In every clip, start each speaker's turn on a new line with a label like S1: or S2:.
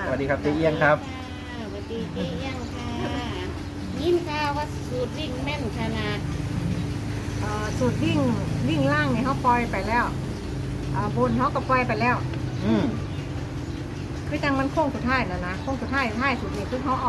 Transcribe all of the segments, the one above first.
S1: สวัสดีครับเจ๊เอี้ยงครับ
S2: สวัสดีเจ๊เอี้ยงค่ะยินข่าวว่าสูตรวิ่งแม่นขนาด
S3: สูตรวิ่งล่างเนี่ยเขาปล่อยไปแล้วบนเขาก็ปล่อยไปแล้ว
S1: อืม
S3: คือจังมันโค้งสุดท้ายนะโค้งสุดท้ายสุดนี้คือเขาเอา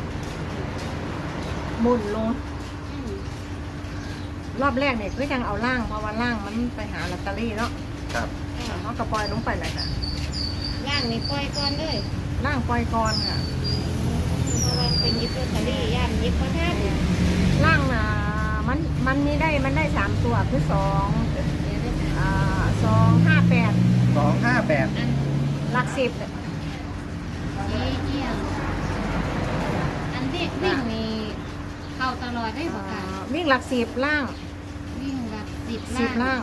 S3: บนลง
S2: อืม
S3: รอบแรกเนี่ยคือจังเอาล่างเพราะว่าล่างมันไปหาลอตเตอรี่เนาะ
S1: ครับ
S3: เขาก็ปล่อยลงไปเลยค่ะ
S2: ย่างนี่ปล่อยก่อนเลย
S3: ล่างปล่อยก่อนค่ะ
S2: เพราะว่าเป็นยิบลอตเตอรี่ย่างยิบประทัด
S3: ล่างมันได้3 ตัวคือ2
S2: เดี๋ยวได้ค่ะ
S3: 258
S1: 258
S2: อัน
S3: หลัก10
S2: เจ๊เอี้ยงอันเด็กวิ่งนี่เข้าตลอดได้ปะคะ
S3: วิ่งหลัก10ล่าง
S2: วิ่งแบบ
S3: 10ล่าง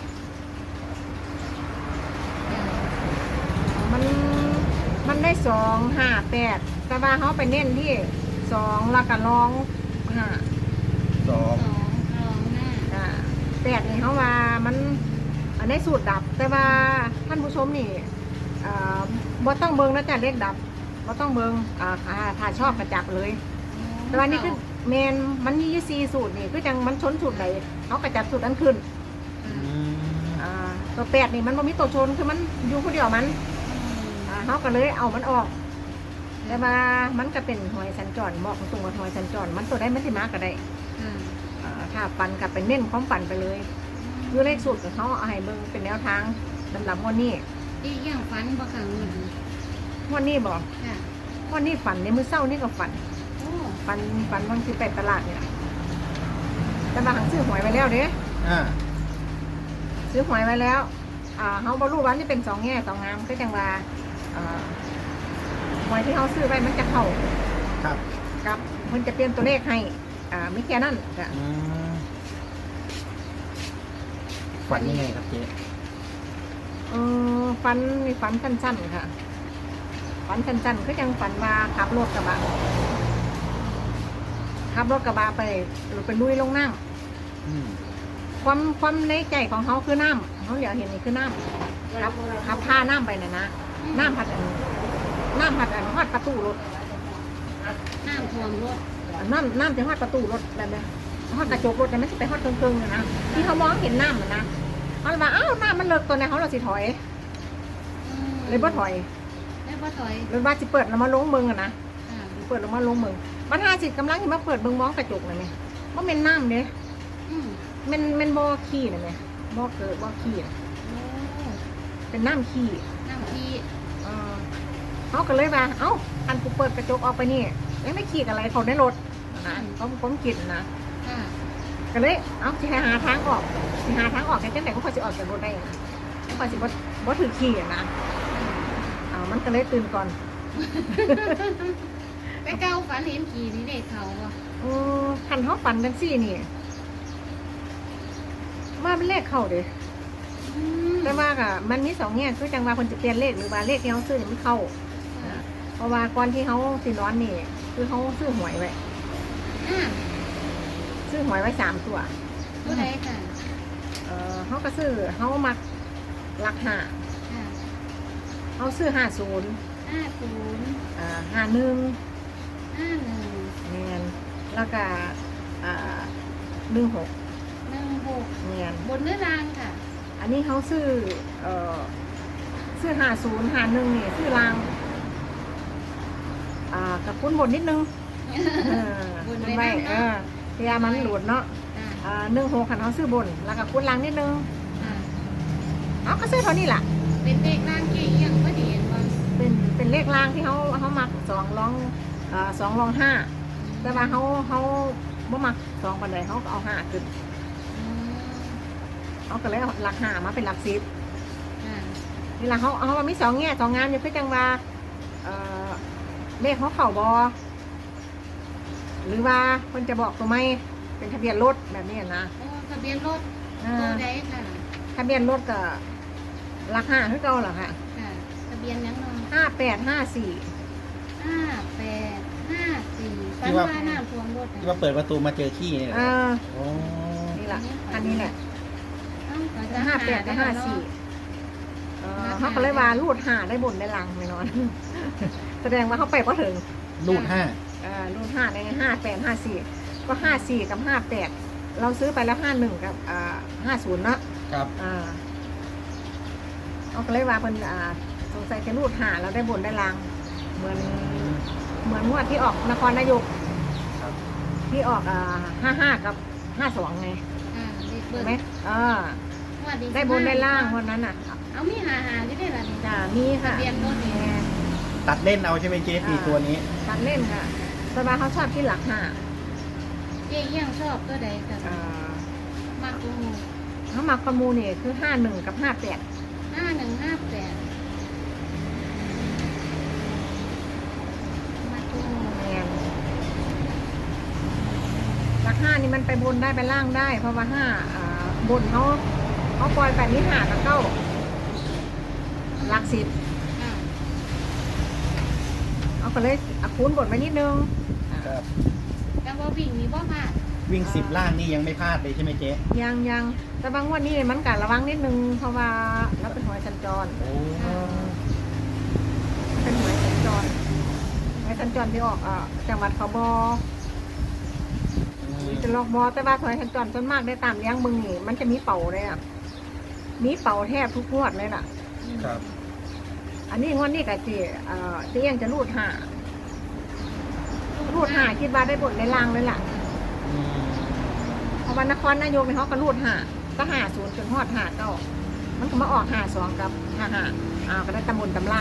S3: มันได้258แต่ว่าเขาไปเน้นที่2แล้วก็ร้อง5
S1: 2
S2: สองรองหน้า
S3: 8นี่เขาว่ามันอันได้สูตรดับ แต่ว่าท่านผู้ชมนี่บ่ต้องเบิ่งนะจ๊ะเลขดับบ่ต้องเบิ่งถ้าชอบกระจับเลย แต่ว่านี่คือแมนมันมี4สูตรนี่คือจังมันชนสูตรไหนเขากระจับสูตรนั้นขึ้น
S1: อืม
S3: ตัว8นี่มันบ่มีตัวชนคือมันอยู่คนเดียวมันเขาก็เลยเอามันออกแต่ว่ามันก็เป็นหอยสัญจรบอกตรงว่าหอยสัญจรมันตัวได้ไม่สิมากก็ได้ถ้าปันกับเป็นเน้นของปันไปเลยอยู่เลขสูตรของเขาเอาให้เบิ่งเป็นแนวทางสำหรับวันนี้
S2: เจ๊เอี้ยงฝันบ่ค่ะเงิน
S3: วันนี้บอก
S2: ค่ะ
S3: วันนี้ฝันในมื้อเช้านี่ก็ฝัน
S2: โอ้
S3: ฝันวันที่ไปตลาดเนี่ยแต่ว่าหังซื้อหวยไว้แล้วเด้
S1: อ่า
S3: ซื้อหวยไว้แล้วเขาบรรลุว่านี่เป็น2 แง่ 2 งามก็จังว่าหวยที่เขาซื้อไว้มันจะเข้า
S1: ครับ
S3: กับมันจะเปลี่ยนตัวเลขให้ไม่แค่นั้นจ้ะ
S1: อืมฝันยังไงครับเจ๊
S3: ฝันนี่ฝันสั้นๆค่ะฝันสั้นๆก็ยังฝันว่าขับรถกระบะไปลุยลงน้ำ
S1: อืม
S3: ความในใจของเขาคือน้ำเขาเดี๋ยวเห็นนี่คือน้ำขับพาน้ำไปน่ะนะน้ำพัดอันฮอดประตูรถ
S2: น้ำท่วมรถ
S3: น้ำจะฮอดประตูรถแบบนี้ฮอดกระจกรถแต่ไม่ใช่ไปฮอดเครื่องๆนะที่เขามองเห็นน้ำนะเขาเลยว่าอ้าวน้ำมันเลิกตัวไหนเขาเราสิถอยเลยบ่ถอย
S2: ได้บ่ถอย
S3: เลยว่าสิเปิดแล้วมาลงเมืองอะนะ
S2: ค่ะ
S3: เปิดแล้วมาลงเมืองบรรทาสิกำลังที่มาเปิดเมืองมองกระจกเลยไหมว่าเป็นน้ำเด้
S2: อืม
S3: เป็นบ่อขี้เลยไหมบ่อเกิดบ่อขี้น่ะ
S2: โอ้
S3: เป็นน้ำขี้
S2: น้ำที่
S3: เขาก็เลยว่าเอ้าอันกูเปิดกระจกออกไปนี่ยังไม่ขี้อะไรเขาในรถนะผมกินนะ
S2: ค่ะ
S3: ก็เลยเอ้าจะหาทางออกแค่จังไหนก็พอจะออกจากรถได้นะพอสิบ่ถือขี้อะนะมันก็เลยตื่นก่อน
S2: ไปเก้าฝันเห็นขี่นี่เด็กเขาอ่ะ
S3: คันเขาฝันกันซี่นี่ว่าเป็นเลขเข้าเด้ แต่ว่าก็มันมี2 แง่คือจังว่าคนจะเปลี่ยนเลขหรือว่าเลขที่เขาซื้อนี่มันเข้าเพราะว่าก่อนที่เขาสินอนนี่คือเขาซื้อหวยไว้ ซื้อหวยไว้3 ตัว
S2: ผู้ใดค่ะ
S3: เขาก็ซื้อเขามักหลัก5
S2: ค่ะ
S3: เขาซื้อ50
S2: 50
S3: 51
S2: 51
S3: เนียนแล้วก็16
S2: 16
S3: เนียน
S2: บนเนื้อรางค่ะ
S3: อันนี้เขาซื้อ50 51นี่ซื้อรางกับคุ้นบนนิดนึง
S2: บน
S3: คุ้น
S2: ไว้
S3: ไว้
S2: บ้างเนาะ
S3: พยายามมันหลุดเนาะ
S2: ค่ะ
S3: 16คันเขาซื้อบนแล้วก็คุ้นรางนิดนึง
S2: ค่ะ
S3: เขาก็ซื้อเท่านี้แหละ
S2: เป็นเด็กรางเกี่ยังบ่ดีเห็นบ่
S3: เป็นเลขรางที่เขามัก2 รอง 5แต่ว่าเขาบ่มัก2ปานใดเขาก็เอา5ขึ้น
S2: อืม
S3: เขาก็เลยเอาหลัก5มาเป็นหลัก10
S2: ค่ะ
S3: นี่แหละเขาว่ามี2 แง่ 2 งามอยู่คือจังว่าเลขเขาเข่าบอหรือว่าคนจะบอกตัวไม่เป็นทะเบียนรถแบบนี้นะ
S2: โอ้ทะเบียนรถตัวใดค่ะ
S3: ทะเบียนรถก็หลัก5คือเก่าเหรอค่ะ
S2: ค่ะทะเบียนยังเนาะ
S3: 5854
S2: 5854ฝันว่าน้ำท่วมรถ
S1: ที่ว่าเปิดประตูมาเจอขี้เนี่ยเหรอโอ้
S3: นี่แหละอันนี้แหละ 58กับ54เขาก็เลยว่ารูด5ได้บนได้หลังไม่นอนแสดงว่าเขาไปพอถึง
S1: รูดห้า
S3: รุ่น5ใน58 54ก็54กับ58เราซื้อไปแล้ว51กับ50เนาะ
S1: ครับ
S3: เอาก็เลยว่าเพิ่นสงสัยจะรูดหาเราได้บนได้ลางเหมือนงวดที่ออกนครนายก
S1: ครับ
S3: ที่ออก55กับ52ไง
S2: เด็กเบิ
S3: เห็
S2: ร์
S3: นไหม
S2: ด
S3: ได้บนได้ล่างวันนั้นน่ะ
S2: เอามีหาที่ได้ละนี่
S3: จ้ามีค่ะ
S2: ทะเบียนรถนี่
S3: แม่
S1: ตัดเล่นเอาใช่ไหมเจ๊สี่ตัวนี้
S3: ตัดเล่นค่ะสบายเขาชอบที่หลักห้า
S2: เจ๊ยังชอบตัวใดกัน
S3: อ่าม
S2: ากกู
S3: เขามักประมูลเนี่ยคือ51กับ58
S2: 5158มากู
S3: แม่นหลักห้านี่มันไปบนได้ไปล่างได้ เพราะว่าบนเขาปล่อยแบบนี้หากับเก้าหลักสิบ เอาก็เลยคูณบทมานิดนึง
S1: ครับ
S2: แต่ว่าวิ่งนี่บ่พลาด
S1: วิ่ง10 ล่างนี่ยังไม่พลาดเลยใช่ไหมเจ๊
S3: ยังแต่บางวันนี้มันกัดระวังนิดนึงเพราะว่าเราเป็นหวยสัญจร
S1: โอ้
S3: เป็นหวยสัญจรที่ออกจังหวัดเขาบอจะลอกบอแต่ว่าหวยสัญจรส่วนมากได้ตามเลี้ยงมึงนี่มันจะมีเป่าเลยมีเป่าแทบทุกงวดเลยล่ะ
S1: ครับ
S3: อันนี้งวดนี้กับเจ๊ยังจะรูดหาคิดว่าได้บทในล่างเลยล่ะ
S1: อืม
S3: เพราะว่านครนายกเนี่ยเขาก็รูดก็50จนฮอด59มันก็มาออก52กับ55ก็ได้ตำบลตำล่าง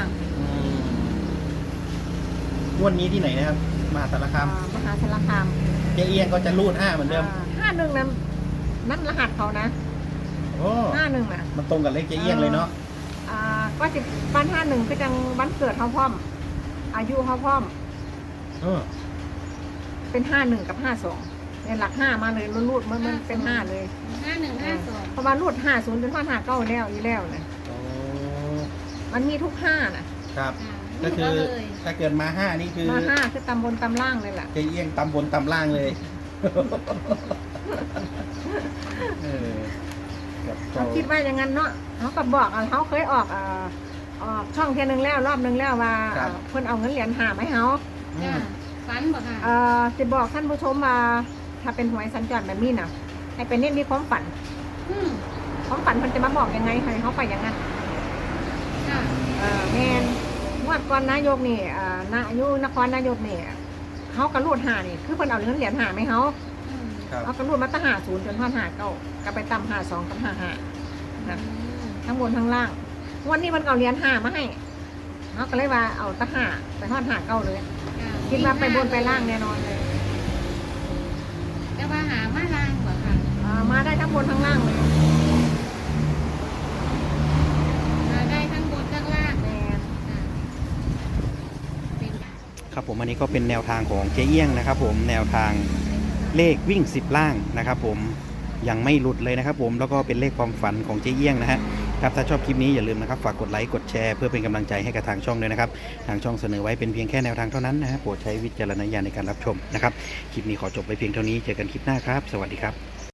S1: งวดนี้ที่ไหนนะครับมหาสารคาม
S3: มหาสารคาม
S1: เจ๊เอียงก็จะรูด5เหมือนเดิม
S3: 51นั่นรหัสเขานะ
S1: โอ้
S3: 51น่ะ
S1: มันตรงกับเลขเจ๊เอียงเลยเนาะ
S3: ก็สิบ้าน51คือจังวันเกิดเขาพร้อม อายุเขาพร้อม
S1: เออ
S3: เป็น51กับ52เนี่ยหลัก5มาเลยรูดมันเป็น5เลย
S2: 5152
S3: เพราะว่ารูด50จนฮอด59แล้วอีแล้วนะ
S1: โอ้
S3: มันมีทุก5น่ะ
S1: ครับ ก็คือถ้าเกิดมา5นี่คือ
S3: มา5คือตำบลตำล่างเลยล่ะ
S1: เจ๊เอียงตำบนตำล่างเลย เออกับ
S3: เขาคิดว่าอย่างนั้นเนาะเขาก็บอกเขาเคยออกช่องเทียนึงแล้วรอบนึงแล้วว่าเพิ่นเอาเงินเหรียญหามาให้เขา
S1: อืม
S2: ฝันบ่ค่ะ
S3: จะบอกท่านผู้ชมว่าถ้าเป็นหวยสัญจรแบบนี้น่ะให้เป็นเน้นมีความฝัน ความฝันมันจะมาบอกยังไงให้เขาไปอย่างนั้น
S2: ค่ะ
S3: แมนงวดก่อนนายกนี่นายกนครนายกนี่เขากระรูดหานี่คือเพิ่นเอาเงินเหรียญหาไหมเขา
S1: ครับ
S3: เอากระรูดมาตั้ง50จนทอด59ก็ไปตำ52กับ55นะทั้งบนทั้งล่างวันนี้มันเอาเหรียญหามาให้เขาก็เลยว่าเอาตั้ง5ไปทอด59เลยคิดว่าไปบนไปล่างแน่นอนเลย
S2: แต่ว่าหามาล่างบ่ค่ะ
S3: มาได้ทั้งบนทั้งล่างเลย
S2: หาได้ทั้งบนทั้งล่าง
S3: แมน
S2: เป็น
S1: ครับผมอันนี้ก็เป็นแนวทางของเจ๊เอี้ยงนะครับผมแนวทางเลขวิ่ง10 ล่างนะครับผมยังไม่หลุดเลยนะครับผมแล้วก็เป็นเลขความฝันของเจ๊เอี้ยงนะฮะครับถ้าชอบคลิปนี้อย่าลืมนะครับฝากกดไลค์กดแชร์เพื่อเป็นกำลังใจให้กับทางช่องด้วยนะครับทางช่องเสนอไว้เป็นเพียงแค่แนวทางเท่านั้นนะฮะโปรดใช้วิจารณญาณในการรับชมนะครับคลิปนี้ขอจบไปเพียงเท่านี้เจอกันคลิปหน้าครับสวัสดีครับ